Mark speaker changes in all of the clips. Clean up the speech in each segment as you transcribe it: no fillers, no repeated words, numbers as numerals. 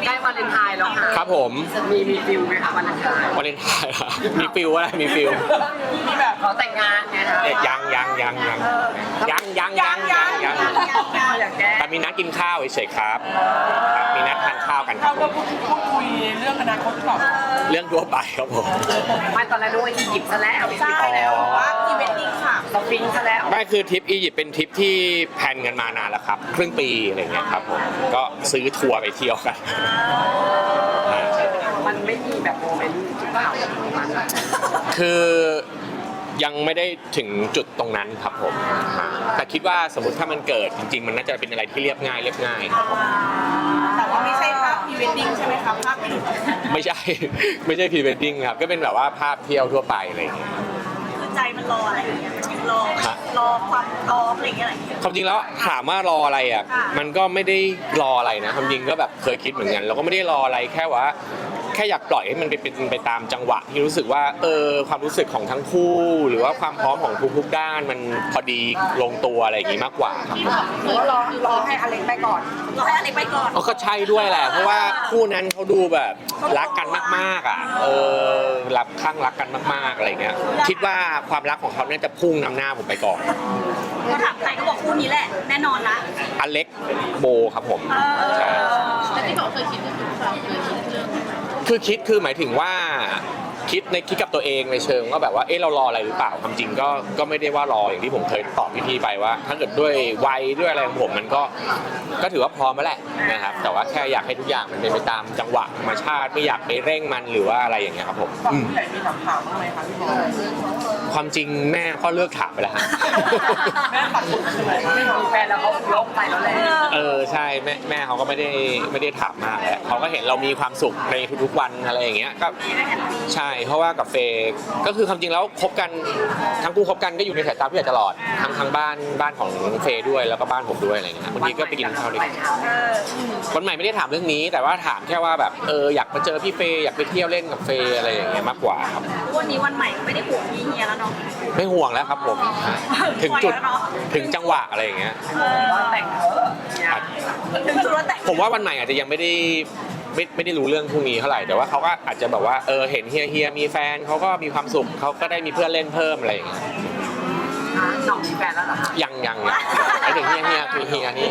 Speaker 1: ใกล้วาเลนไทน์แล้วค่ะ
Speaker 2: ครับผม
Speaker 1: มีฟิลไหมคะวาเลนไทน์
Speaker 2: วาเลนไทน์อะมีฟิลอะไรมีฟิล
Speaker 1: มีแบบเขาแต่งงานไงคะ
Speaker 2: ยัง
Speaker 1: อยากแก้
Speaker 2: แต่มีนัดกินข้าวเฉยๆครับมีนัดทานข้าวกันครั
Speaker 3: เรา
Speaker 2: บผ
Speaker 3: ก็
Speaker 2: ม
Speaker 3: พูดคุยเรื่องอนาคตหรือเปล่า
Speaker 2: เรื่องทั่วไปครับผม
Speaker 1: ไม่ตอนแรกนึกว่าอียิปต์ซะแล้ว
Speaker 3: ใช่แล้วว่าพรีเวดดิ้งค่ะ
Speaker 1: สฟิงค์ซะแล้ว
Speaker 2: ไม่คือทริปอียิปต์เป็นทริปที่แพลนกันมานานแล้วครับครึ่งปีอะไรเงี้ยครับผมก็ซื้อทัวร์ไปเที่ยวกัน
Speaker 1: มันไม่มีแบบโมเมนต์ที่เปล่าของมันอะ
Speaker 2: คือยังไม่ได้ถึงจุดตรงนั้นครับผมแต่คิดว่าสมมติถ้ามันเกิดจริงๆมันน่าจะเป็นอะไรที่เรียบง่ายครับผม
Speaker 3: แต่ว่าไม่ใช่ภาพพรีเวดดิ้งใช่ไหมครับภาพเป็น
Speaker 2: ไม่ใช่ ไม่ใช่พรีเวดดิ้งครับก็เป็นแบบว่าภาพเที่ยวทั่วไปอะไรอย่างเงี้ย
Speaker 3: คือใจมันรออะไรอย่างเงี้ยมันรอความพร้อมอะไรอย่างเงี้ย
Speaker 2: ความจริงแล้วถามว่ารออะไรอ่ะมันก็ไม่ได้รออะไรนะความจริงก็แบบเคยคิดเหมือนกันเราก็ไม่ได้รออะไรแค่ว่าแค่อยากปล่อยให้มันเป็นไปตามจังหวะที่รู้สึกว่าความรู้สึกของทั้งคู่ หรือว่าความพร้อมของทุกๆด้านมันพอดีลงตัวอะไรอย่างงี้มากกว่าครับ
Speaker 1: หรือว่ารอให้อเล็กไปก่อน
Speaker 3: รอให้อะไรไปก่อน
Speaker 2: ก็ใช่ด้วยแหละเพราะว่าคู่นั้นเขาดูแบบรักกันมากๆอ่ะรักข้างรักกันมากๆอะไรเงี้ยคิดว่าความรักของเขาเนี่ยจะพุ่งนำหน้าผมไปก่อน
Speaker 3: ก็ถามใครก็บอกคู่นี้แหละแน่นอนละ
Speaker 2: อเล็กโบครับผมใช่
Speaker 3: แต่ที่บอกเคยคิดก็คือเราเคยคิดเรื่อง
Speaker 2: คือหมายถึงว่าคิดกับตัวเองในเชิงว่าแบบว่าเรารออะไรหรือเปล่าความจริงก็ไม่ได้ว่ารออย่างที่ผมเคยตอบพี่ๆไปว่า ถ้าเกิดด้วยวัยด้วยอะไรของผมมันก็ถือว่าพร้อมแล้วแหละนะครับแต่ว่าแค่อยากให้ทุกอย่างมันเป็นไปตามจังหวะธรรมชาติไม่อยากไปเร่งมันหรือว่าอะไรอย่างเงี้ยครับผม
Speaker 3: ฝั่งผู้ใหญ่มีถามบ้างไหมคะพี่บอล
Speaker 2: ความจริงแม่ก็เลิกถามไปแล้วฮะ
Speaker 3: แม่ปัดฝุ่นใช่ไหม
Speaker 1: ไม่มีแฟนแล้วเขาลบไปแล้วแหละ
Speaker 2: ใช่แม่เขาก็ไม่ได้ถามมากแหละเขาก็เห็นเรามีความสุขในทุกๆวันอะไรอย่างเงี้ยก็ใช่เพราะว่ากับเฟย์ก็คือความจริงแล้วคบกันทั้งคู่คบกันก็อยู่ในสายตาผู้ใหญ่ตลอดทั้งบ้านของเฟย์ด้วยแล้วก็บ้านผมด้วยอะไรเงี้ยบางทีก็ไปกินข้าวด้วยกันวันใหม่ไม่ได้ถามเรื่องนี้ แต่ว่าถามแค่ว่าแบบอยากมาเจอพี่เฟย์อยากไปเที่ยวเล่นกับเฟย์อะไรอย่างเงี้ยมากกว่าครับ
Speaker 3: วันนี้วันใหม่ไม่ได้ห่วงพี่เฮียแล้วเนาะ
Speaker 2: ไม่ห่วงแล้วครับผมถึงจุดถึงจังหวะอะไรอย่างเงี้ย
Speaker 1: แต่งเถอะเนี่ย
Speaker 3: ถึงจุดว่าแต่ง
Speaker 2: ผมว่าวันใหม่อาจจะยังไม่ได้รู้เรื่องพวกนี้เท่าไหร่แต่ว่าเขาก็อาจจะแบบว่าเห็นเฮียมีแฟนเขาก็มีความสุขเขาก็ได้มีเพื่อนเล่นเพิ่มอะไรอย่างเงี้ย
Speaker 1: หน่องมีแฟนแล้วเหรอคะ
Speaker 2: ยังไอ้ถึงเฮียคือเฮียนี่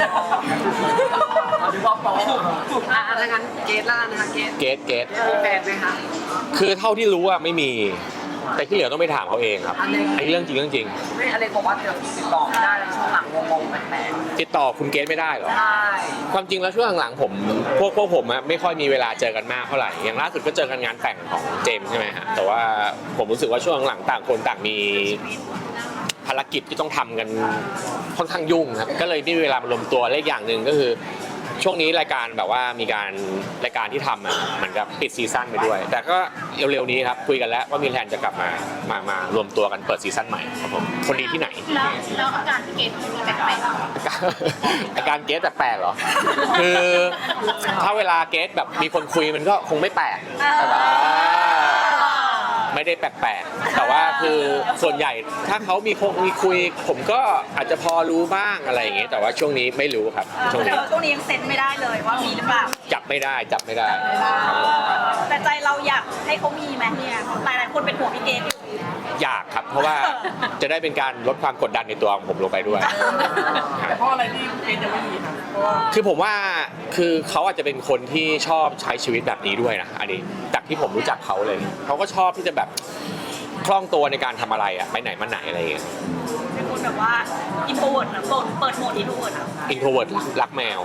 Speaker 1: ดูว่าโป๊ะถ้างั้นเกสล่ะนะคะเกส
Speaker 2: เกต
Speaker 1: มีแฟนไหมคะ
Speaker 2: คือเท่าที่รู้อะไม่มี แต่ที่เหลือต้องไปถามเขาเองครับไอ้เรื่องจริง
Speaker 1: ไม่อเล็กบอกว่าเดี๋ยวติดต่อไม่ได้เลยช่วงหลังงงๆแปลก
Speaker 2: ติดต่อคุณเกตไม่ได้เหรอ
Speaker 1: ๆใช่
Speaker 2: ความจริงแล้วช่วงหลังๆผมพวกผมอะไม่ค่อยมีเวลาเจอกันมากเท่าไหร่อย่างล่าสุดก็เจอกันงานแต่งของเจมส์ใช่ไหมฮะแต่ว่าผมรู้สึกว่าช่วงหลังต่างคนต่างมีภารกิจที่ต้องทำกันค่อนข้างยุ่งครับก็เลยไม่มีเวลามารวมตัวและอีกอย่างหนึ่งก็คือช่วงนี้รายการแบบว่ามีรายการที่ทำอะเหมือนกับปิดซีซั่นไปด้วย แต่ก็เร็วๆนี้ครับคุยกันแล้วว่ามีแผนจะกลับมารวมตัวกันเปิดซีซั่นใหม่ครับผมคนดีที่ไหน
Speaker 3: แล้วอาการพี่เกดมีแปลก
Speaker 2: อาการเกสแปลกๆเหรอ คือถ้าเวลาเกสแบบมีคนคุยมันก็คงไม่แปลกแต่ว่าไม่ได้แปลกๆแต่ว่าคือส่วนใหญ่ถ้าเขามีคุยผมก็อาจจะพอรู้บ้างอะไรอย่างเงี้ยแต่ว่าช่วงนี้ไม่รู้ครับช่วง
Speaker 3: แต่
Speaker 2: นี้
Speaker 3: ว่าช่วงนี้ยังเซ็นไม่ได้เลยว่ามีหรือเปล่า
Speaker 2: จับไม่ได้ครับผม
Speaker 3: แต่ใจเราอยากให้เขามีไหมเนี่ยหลายๆคนเป็นห่วงพี่เกดอยู่
Speaker 2: อยากครับ เพราะว่าจะได้เป็นการลดความกดดันในตัวของผมลงไปด้วย
Speaker 3: แต่เพราะอะไรที่เกดยังไม่มีครับเพราะว่า
Speaker 2: คือผมว่าคือเขาอาจจะเป็นคนที่ชอบใช้ชีวิตแบบนี้ด้วยนะอันนี้จากที่ผมรู้จักเขาเลยเขาก็ชอบที่จะแบบคล่องตัวในการทำอะไรอะไปไหนมาไหนอะไรอย่างเงี้ย
Speaker 3: เป็นคนแบบว่าอินโทรเวิร์ดนะเปิดโหมดอินโทรเวิร์ดอ่ะ
Speaker 2: อินโทรเวิร์ดรักแมว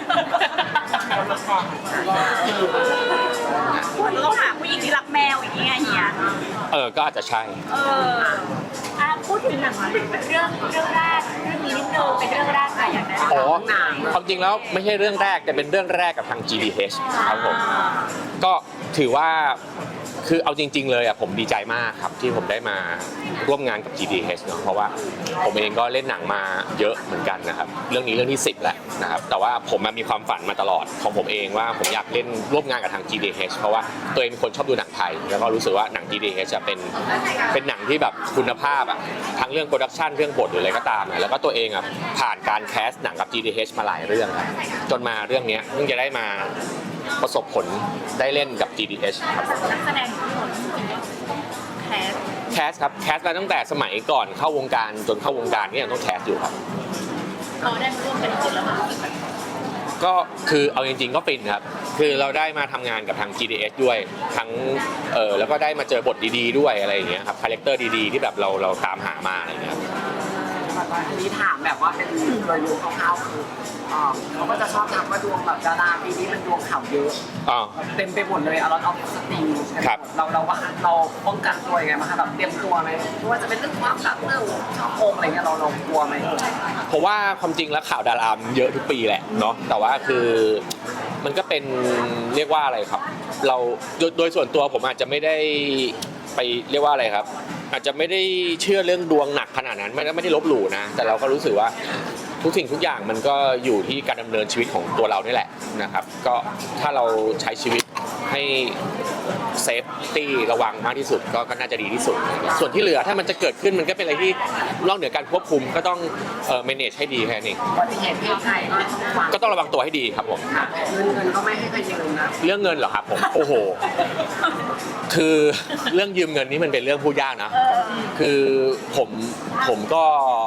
Speaker 3: เราต้องหาผู้หญิงที่รักแมวอย่างเงี้ยเฮีย
Speaker 2: ก็อาจจะใช่
Speaker 3: พูดถึงหนังเป็นเรื่องแรกเรื่องนี้นิดนึงเป็นเรื่องแรกค่ะอยากได้
Speaker 2: อ๋อความจริงแล้วไม่ใช่เรื่องแรกแต่เป็นเรื่องแรกกับทาง GDH ครับผมก็ถือว่าคือเอาจริงๆเลยอ่ะผมดีใจมากครับที่ผมได้มาร่วมงานกับ GDH เนาะเพราะว่าผมเองก็เล่นหนังมาเยอะเหมือนกันนะครับเรื่องนี้เรื่องที่10แล้วนะครับแต่ว่าผมมีความฝันมาตลอดของผมเองว่าผมอยากเล่นร่วมงานกับทาง GDH เพราะว่าตัวเองเป็นคนชอบดูหนังไทยแล้วก็รู้สึกว่าหนัง GDH จะเป็นหนังที่แบบคุณภาพอ่ะทั้งเรื่องโปรดักชันเรื่องบทหรืออะไรก็ตามนะแล้วก็ตัวเองอ่ะผ่านการแคสหนังกับ GDH มาหลายเรื่องครับจนมาเรื่องนี้เพิ่งจะได้มาประสบผลได้เล่นกับ GDH ครับ
Speaker 3: นักแสดงทุกคนจริงๆก็แคส
Speaker 2: ครับแคสมาตั้งแต่สมัยก่อนเข้าวงการจนเข้าวงการก็ยังต้องแคสอยู่ครับ
Speaker 3: พอได้มาร่วมกันจริงๆแล้วมันรู้สึกแบบ
Speaker 2: ก็คือเอาจริงๆก็ฟินครับคือเราได้มาทำงานกับทาง GDS ด้วยทั้งแล้วก็ได้มาเจอบทดีๆด้วยอะไรอย่างเงี้ยครับคาแรคเตอร์ดีๆที่แบบเราตามหามาอะไรอย่างเงี้ยครับ
Speaker 1: ทีนี้ถามแบบว่าเป็นโดยรวมคร่าวๆคือเขาก็จะชอบถามว่าดวงแบบดาราปีนี้มันดวงข่าวเยอะ
Speaker 2: อ๋อ
Speaker 1: เต็มไปหมดเลยอารอนออฟสตรีม
Speaker 2: ครับ
Speaker 1: เราป้องกันตัวยังไงบ้างคะแบบเตรียมตัวไหมไม่ว่าจะเป็นเรื่องความรักเรื่องชอบโกงอะไรเงี้ยเรากลัวไหม
Speaker 2: เพราะว่าความจริงแล้วข่าวดารามเยอะทุกปีแหละเนาะแต่ว่าคือมันก็เป็นเรียกว่าอะไรครับเราโดยส่วนตัวผมอาจจะไม่ได้ไปเรียกว่าอะไรครับ อาจจะไม่ได้เชื่อเรื่องดวงหนักขนาดนั้นไม่ได้ลบหลู่นะแต่เราก็รู้สึกว่าทุกสิ่งทุกอย่างมันก็อยู่ที่การดำเนินชีวิตของตัวเรานี่แหละนะครับก็ถ้าเราใช้ชีวิตให้เซฟตี้ระวังมากที่สุดก็น่าจะดีที่สุดส่วนที่เหลือถ้ามันจะเกิดขึ้นมันก็เป็นอะไรที่นอกเหนือการควบคุมก็ต้องmanage ให้ดีแค่นี้
Speaker 1: อุบัติเหตุเพศภัยก็ต้องระวัง
Speaker 2: ก็ต้องระวังตัวให้ดีครับผม
Speaker 1: ค่ะเงินก็ไม่ให้ใครยืมนะ
Speaker 2: เรื่องเงินเหรอครับผมโอ้โหคือเรื่องยืมเงินนี่มันเป็นเรื่องพูดยากนะคือผมก็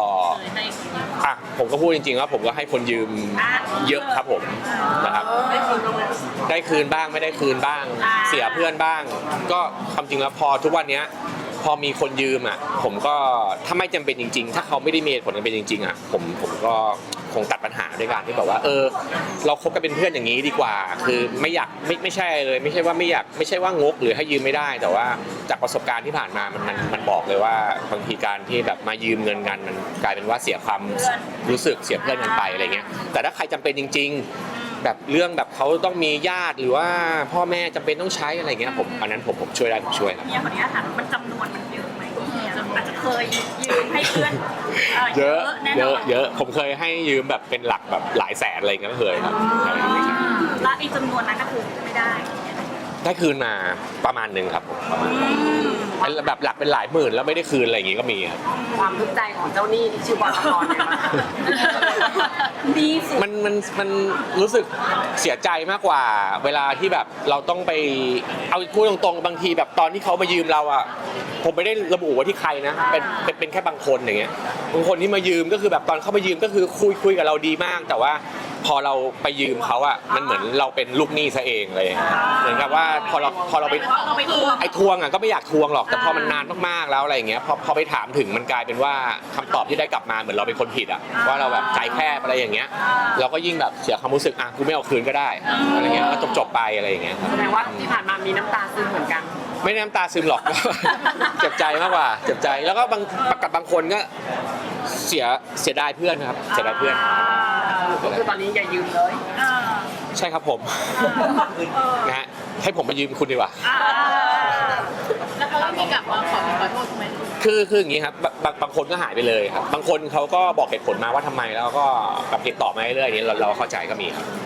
Speaker 2: ผมก็พูดจริงๆว่าผมก็ให้คนยืมเยอะครับผมนะครับได้คืนบ้างไม่ได้คืนบ้าง เสียเพื่อนบ้าง ก็ความจริงแล้วพอทุกวันนี้พอมีคนยืมอ่ะผมก็ถ้าไม่จำเป็นจริงๆถ้าเขาไม่ได้มีเหตุผลจำเป็นจริงๆอ่ะผมก็คงตัดปัญหาด้วยการที่แบบว่าเราคบกันเป็นเพื่อนอย่างนี้ดีกว่า คือไม่อยากไม่ใช่เลยไม่ใช่ว่าไม่อยากไม่ใช่ว่างกหรือให้ยืมไม่ได้แต่ว่าจากประสบการณ์ที่ผ่านมามันบอกเลยว่าบางทีการที่แบบมายืมเงินกันมันกลายเป็นว่าเสียความรู้สึกเสียเพื่อนกันไปอะไรเงี้ยแต่ถ้าใครจำเป็นจริงๆแบบเรื่องแบบเขาต้องมีญาติหรือว่าพ่อแม่จำเป็นต้องใช้อะไรเงี้ยอันนั้นผมช่วยได้ผมช่วยครับ
Speaker 3: เนี่ยคนนี้ถามมันจำนวนมันเยอะไหมอาจจะเคยยืมให้เพื่อน
Speaker 2: เยอะ
Speaker 3: แน่น
Speaker 2: เย
Speaker 3: อ
Speaker 2: อะ
Speaker 3: น
Speaker 2: เยอะผมเคยให้ยืมแบบเป็นหลักแบบหลายแสนอะไรเงี้ยก็เคยครับใช่
Speaker 3: แล้วไอ้จำนวนนั้นก็คือไม่ได้
Speaker 2: ได้คืนมาประมาณหนึ่งครับผมประมาณเป็นแบบหลักเป็นหลายหมื่นแล้วไม่ได้คืนอะไรอย่างงี้ก็มีครับ
Speaker 1: ความทุกข์ใจของเจ้าหนี้ที่ชื่อบอลกรเนี่ยมัน
Speaker 3: ดีสุด
Speaker 2: มันรู้สึกเสียใจมากกว่าเวลาที่แบบเราต้องไปเอาพูดตรงๆบางทีแบบตอนที่เขามายืมเราอ่ะผมไม่ได้ระบุว่าที่ใครนะเป็นแค่บางคนอย่างเงี้ยบางคนที่มายืมก็คือแบบตอนเขามายืมก็คือคุยกับเราดีมากแต่ว่าพอเราไปยืมเขาอ่ะมันเหมือนเราเป็นลูกหนี้ซะเองเลยเหมือนกับว่าพอเราไป
Speaker 3: เราไปทวง
Speaker 2: ไอ้ทวงอ่ะก็ไม่อยากทวงหรอกแต่พอมันนานมากๆแล้วอะไรอย่างเงี้ยพอไปถามถึงมันกลายเป็นว่าคำตอบที่ได้กลับมาเหมือนเราเป็นคนผิดอ่ะว่าเราแบบใจแคบอะไรอย่างเงี้ยเราก็ยิ่งแบบเสียความรู้สึกอ่ะกูไม่เอาคืนก็ได้อะไรเงี้ยก็จบไปอะไรอย่างเงี้ยครับ
Speaker 1: แสดงว่าที่ผ่านมามีน้ำตาซึมเหมือนกัน
Speaker 2: ไม่ได้น้ำตาซึมหรอก เจ็บใจมากกว่าเจ็บใจแล้วก็กับบางคนก็เสียดายเพื่อนครับเสียดายเพื่อน
Speaker 1: ก็คือตอนนี้อย่ายืมเลย
Speaker 2: ใช่ครับผมนะฮะให้ผมมายืมคุณดีกว่า
Speaker 3: แล้วเขามีกลับมาขอโทษไหม
Speaker 2: คืออย่างนี้ครับบางคนก็หายไปเลยครับบางคนเขาก็บอกเหตุผลมาว่าทำไมแล้วก็แบบติดต่อมาเรื่อยๆอย่างนี้เราเข้าใจก็มีครับ